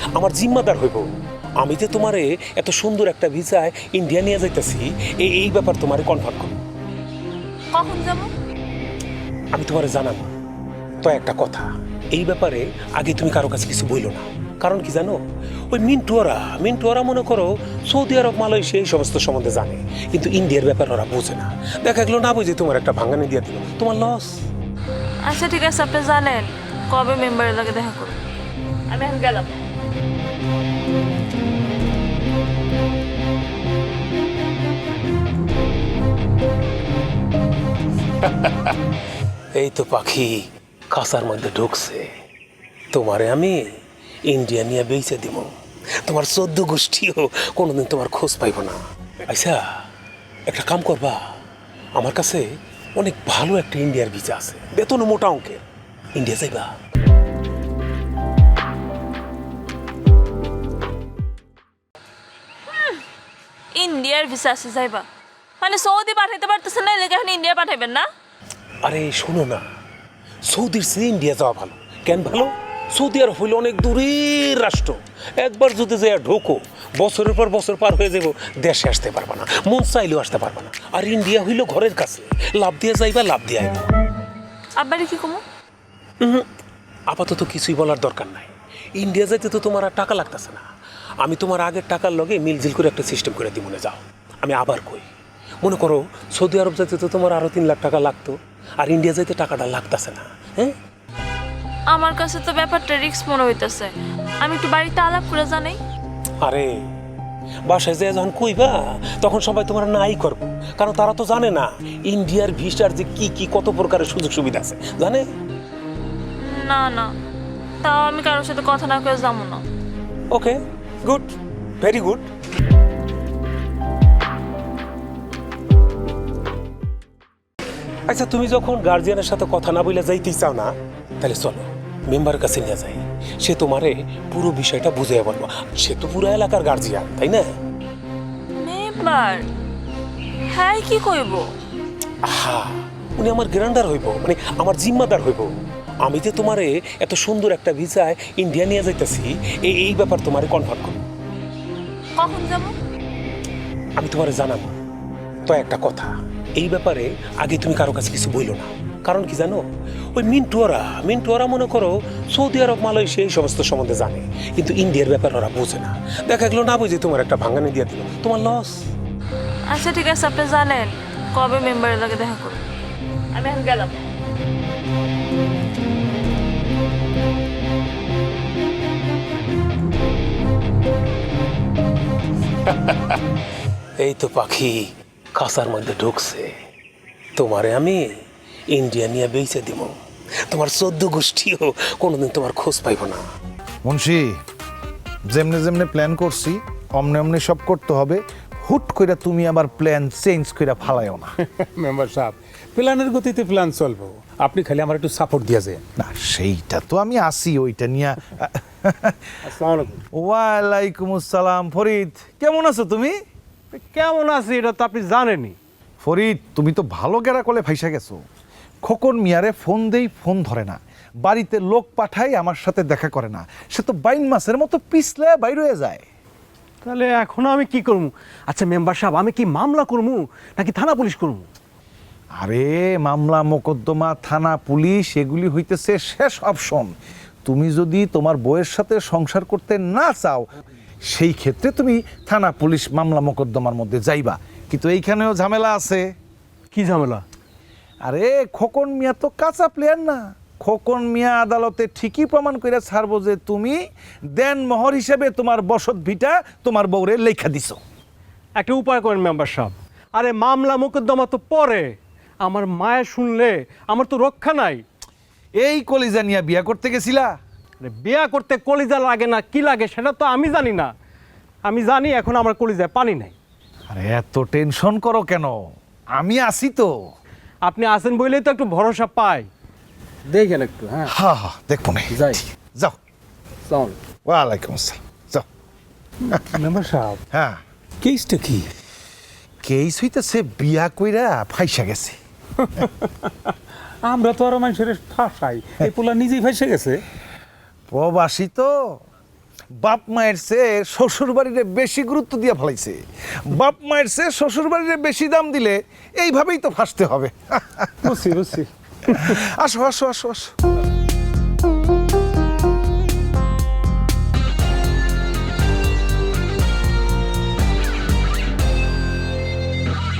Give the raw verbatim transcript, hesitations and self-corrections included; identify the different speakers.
Speaker 1: আমার জিম্মাদার হইব। আমি যে তোমারে এত সুন্দর একটা ভিসায় ইন্ডিয়া নিয়ে যাইতেছি, এই এই ব্যাপার তোমারে কনফার্ম করব।
Speaker 2: কখন যাব?
Speaker 1: আমি তোমারে জানাবো। তো একটা কথা, এই ব্যাপারে আগে তুমি কারো কাছে কিছু বইলো না। কারণ কি জানো, ওই মিন্টুয়ারা মিন্টুয়ারা মনে করো সৌদি আরব, মালয়েশিয়া এই সমস্ত সম্বন্ধে জানে, কিন্তু ইন্ডিয়ার ব্যাপার ওরা বোঝে না। দেখা গেলো না বুঝে তোমার একটা ভাঙানি দিয়ে দিল, তোমার লস।
Speaker 2: আচ্ছা ঠিক আছে, আপনি জানেন কবে মেম্বারের লাগে দেখা করব? আমি এখন গেলাম।
Speaker 1: এই তো পাখি খাঁচার মধ্যে ঢুকছে। তোমারে আমি ইন্ডিয়া নিয়ে বেঁচে দিব, তোমার চোদ্দ গোষ্ঠীও কোনোদিন তোমার খোঁজ পাইব না। আচ্ছা একটা কাম করবা, আমার কাছে অনেক ভালো একটা ইন্ডিয়ার ভিসা আছে, বেতন মোটা অঙ্কের। ইন্ডিয়া যাইবা?
Speaker 2: ইন্ডিয়ার ভিসা আছে যাইবা? মানে সৌদি পাঠাইতে পারতেছেন না, এলাকা এখন ইন্ডিয়া পাঠাইবেন না?
Speaker 1: আরে শোনো না, সৌদির চেয়ে ইন্ডিয়া যাওয়া ভালো। কেন ভালো? সৌদি আরব হইল অনেক দূরের রাষ্ট্র। একবার যদি যাইয়া ঢোকো, বছরের পর বছর পার হয়ে যাব, দেশে আসতে পারবা না, মন চাইলেও আসতে পারবা না। আর ইন্ডিয়া হইল ঘরের কাছে, লাভ দিয়ে যাইবা, লাভ দিয়ে আইবা।
Speaker 2: আব্বারে কি কমো?
Speaker 1: আপাতত কিছুই বলার দরকার নাই। ইন্ডিয়া যাইতে তো তোমার আর টাকা লাগতেছে না। আমি তোমার আগের টাকার লগে মিলজিল করে একটা সিস্টেম করে দিই, মনে যাও। আমি আবার কই, মনে করো সৌদি আরব যাইতে তো তোমার আরো তিন লাখ টাকা লাগতো, আর ইন্ডিয়া যাইতে টাকাটা লাগতেছে না। হ্যাঁ,
Speaker 2: আমার কাছে তো ব্যাপারটা রিস্ক মনে হইতেছে। আমি একটু বাড়িতে আলাপ করে জানাই।
Speaker 1: আরে বাসায় যে যখন কইবা, তখন সবাই তোমার নাই করবো, কারণ তারা তো জানে না ইন্ডিয়ার ভিসার যে কি কি কত প্রকারের সুযোগ সুবিধা আছে, জানে?
Speaker 2: না না, তাও আমি কারোর সাথে কথা না করে যাবো না।
Speaker 1: Okay, good, very good. আচ্ছা তুমি যখন গার্জিয়ানের সাথে কথা না বলে যাইতেই চাও না, তাহলে চলো মেম্বারের কাছে নিয়ে যাই। সে তোমারে পুরো বিষয়টা বুঝিয়ে বলবো। সে তো পুরো এলাকার গার্জিয়ান, তাই না?
Speaker 2: মেম্বার? হ্যাঁ, কি কইব?
Speaker 1: হ্যাঁ, উনি আমার গ্র্যান্ডার হইব, মানে আমার জিম্মাদার হইব। আমি যে তোমারে এত সুন্দর একটা ভিসায় ইন্ডিয়া নিয়ে যাইতেছি, এই এই ব্যাপার তোমারে কনফার্ম করব।
Speaker 2: কখন যাব?
Speaker 1: আমি তোমারে জানাবো। তো একটা কথা, এই ব্যাপারে আগে তুমি কারো কাছে কিছু বইলো না। কারণ কি জানো, ওই মিন্টুয়ারা মিন্টুয়ারা মনে করো সৌদি আরব, মালয়েশিয়া এই সমস্ত সম্বন্ধে জানে, কিন্তু ইন্ডিয়ার ব্যাপার ওরা বোঝে না। দেখা গেলো না বুঝে তোমার একটা ভাঙানি দিয়ে দিল, তোমার লস।
Speaker 2: আচ্ছা ঠিক আছে, আপনি জানেন কবে মেম্বারের লাগে দেখা করব? আমি এখন গেলাম।
Speaker 1: এই তো পাখি খাঁচার মধ্যে ঢুকছে। তোমারে আমি ইন্ডিয়া নিয়ে বেঁচে দিব, তোমার চোদ্দ গোষ্ঠীও কোনোদিন তোমার খোঁজ পাইব না।
Speaker 3: মুন্সি, যেমনে যেমনে প্ল্যান করছি অমনে অমনে সব করতে হবে। হুট কইরা তুমি আবার প্ল্যান চেঞ্জ কইরা ফালাইও না।
Speaker 4: মেম্বার সাহেব, প্ল্যানের গতিতে প্ল্যান চলবো, আপনি খালি আমার একটু সাপোর্ট দিয়ে যায়।
Speaker 3: না সেইটা তো আমি আসি, ওইটা নিয়ে।
Speaker 4: আসসালামু আলাইকুম।
Speaker 3: ওয়ালাইকুম আসসালাম। ফরিদ, কেমন আছো তুমি?
Speaker 5: কেমন আছি এটা তো আপনি জানেনই।
Speaker 3: ফরিদ, তুমি তো ভালো গেরা কলে ফাইসা গেছো। খোকন মিয়ারে ফোন দেই, ফোন ধরে না। বাড়িতে লোক পাঠাই, আমার সাথে দেখা করে না। সে তো বাইন মাসের মতো পিছলে বাইর হয়ে যায়।
Speaker 5: তাহলে এখন আমি কি করবো? আচ্ছা মেম্বার সাহেব, আমি কি মামলা করবো নাকি থানা পুলিশ করবো?
Speaker 3: আরে মামলা মোকদ্দমা থানা পুলিশ এগুলি হইতেছে শেষ অপশন। তুমি যদি তোমার বউয়ের সাথে সংসার করতে না চাও, সেই ক্ষেত্রে তুমি থানা পুলিশ মামলা মোকদ্দমার মধ্যে যাইবা, কিন্তু এইখানেও ঝামেলা আছে।
Speaker 5: কি ঝামেলা?
Speaker 3: আরে খোকন মিয়া তো কাঁচা প্লেয়ার না। খোকন মিয়া আদালতে ঠিকই প্রমাণ করে ছাড়বো যে তুমি দেন মোহর হিসেবে তোমার বসত ভিটা তোমার বউরে লেখা দিছো।
Speaker 5: একটা উপায় করেন মেম্বার সাহেব। আরে মামলা মোকদ্দমা তো পরে, আমার মায়ের শুনলে আমার তো রক্ষা নাই।
Speaker 3: এই কলিজা নিয়া বিয়া করতে গেছিলা?
Speaker 5: আরে বিয়া করতে কলিজা লাগে না কি লাগে সেটা তো আমি জানি না। আমি জানি এখন আমার কলিজায় পানি নাই।
Speaker 3: আরে এত টেনশন করো কেন? আমি আছি তো।
Speaker 5: আপনি আসেন বলেই তো একটু ভরসা পাই। দেখেন একটু। হ্যাঁ
Speaker 3: হ্যাঁ হ্যাঁ, দেখবো না।
Speaker 5: যাই।
Speaker 3: যাও।
Speaker 5: চল।
Speaker 3: ওয়ালাইকুম আসসালাম। যাও।
Speaker 4: মেম্বার সাহেব,
Speaker 1: হ্যাঁ,
Speaker 4: কেসটা কি?
Speaker 3: কেস হইতেছে বিয়া কইরা ফাইসা গেছে।
Speaker 4: আমরা তো আরো মানুষের ফাঁসাই, এই পোলা নিজেই ফাঁসে গেছে।
Speaker 3: প্রবাসী তো বাপ মায়ের চেয়ে শ্বশুর বাড়িতে বেশি গুরুত্ব দিয়ে ফেলাইছে। বাপ মায়ের চেয়ে শ্বশুর বাড়িতে বেশি দাম দিলে এইভাবেই তো ফাঁসতে হবে।
Speaker 4: বুঝছি বুঝছি
Speaker 3: আসো আসো আসো আসো